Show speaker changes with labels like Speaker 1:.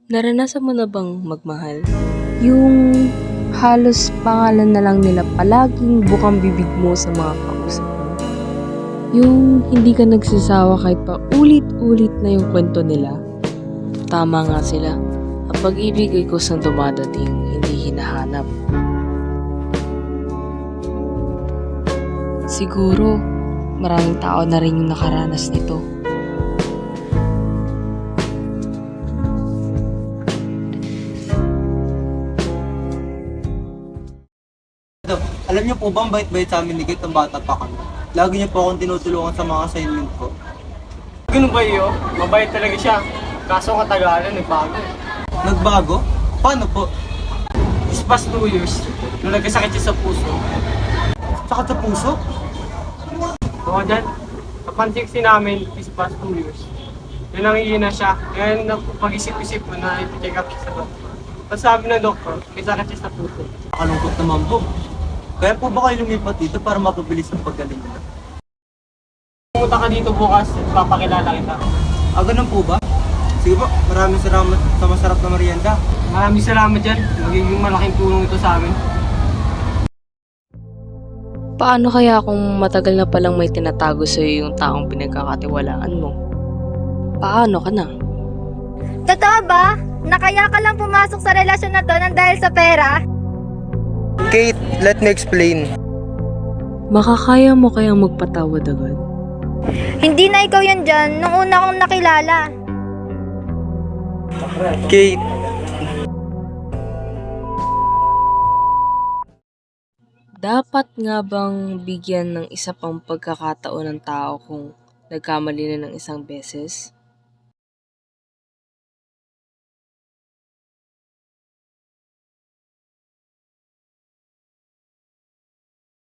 Speaker 1: Naranasan mo na bang magmahal?
Speaker 2: Yung halos pangalan na lang nila palaging bukang bibig mo sa mga kausap mo. Yung hindi ka nagsasawa kahit pa ulit-ulit na yung kwento nila.
Speaker 1: Tama nga sila. Ang pag-ibig ay kusang dumadating, hindi hinahanap. Siguro, maraming tao na rin yung nakaranas nito.
Speaker 3: Dok, alam niyo po ba ang bait-bait sa amin ni Kate ng bata pa kami? Lagi niyo po akong tinutulungan sa mga assignment ko.
Speaker 4: Ganun ba iyo? Mabait talaga siya. Kaso katagalan, nagbago.
Speaker 3: Nagbago? Paano po?
Speaker 4: This past 2 years, nung nagkasakit siya sa puso.
Speaker 3: Sakit sa puso?
Speaker 4: Oo, dyan. Napansin namin this past 2 years. Yun ang iina siya. Ngayon, pag-isip-isip ko na ipi-check up siya sa doktor. Tapos sabi ng doktor, may sakit siya sa puso.
Speaker 3: Nakalungkot naman po. Kaya po ba kayo lumipat dito para mapabilis ang paggaling niyo?
Speaker 4: Pumunta ka dito bukas, papakilala kita.
Speaker 3: Ganun po ba? Sige po, maraming salamat sa masarap na merienda.
Speaker 4: Maraming salamat dyan. Magiging malaking tulong ito sa amin.
Speaker 1: Paano kaya kung matagal na palang may tinatago sa'yo yung taong pinagkakatiwalaan mo? Paano ka na?
Speaker 5: Totoo ba? Na kaya ka lang pumasok sa relasyon na to nang dahil sa pera?
Speaker 3: Kate, let me explain.
Speaker 1: Makakaya mo kayang magpatawad agad?
Speaker 5: Hindi na ikaw yan dyan nung una kong nakilala.
Speaker 3: Kate,
Speaker 1: Dapat nga bang bigyan ng isa pang pagkakataon ng tao kung nagkamali na ng isang beses?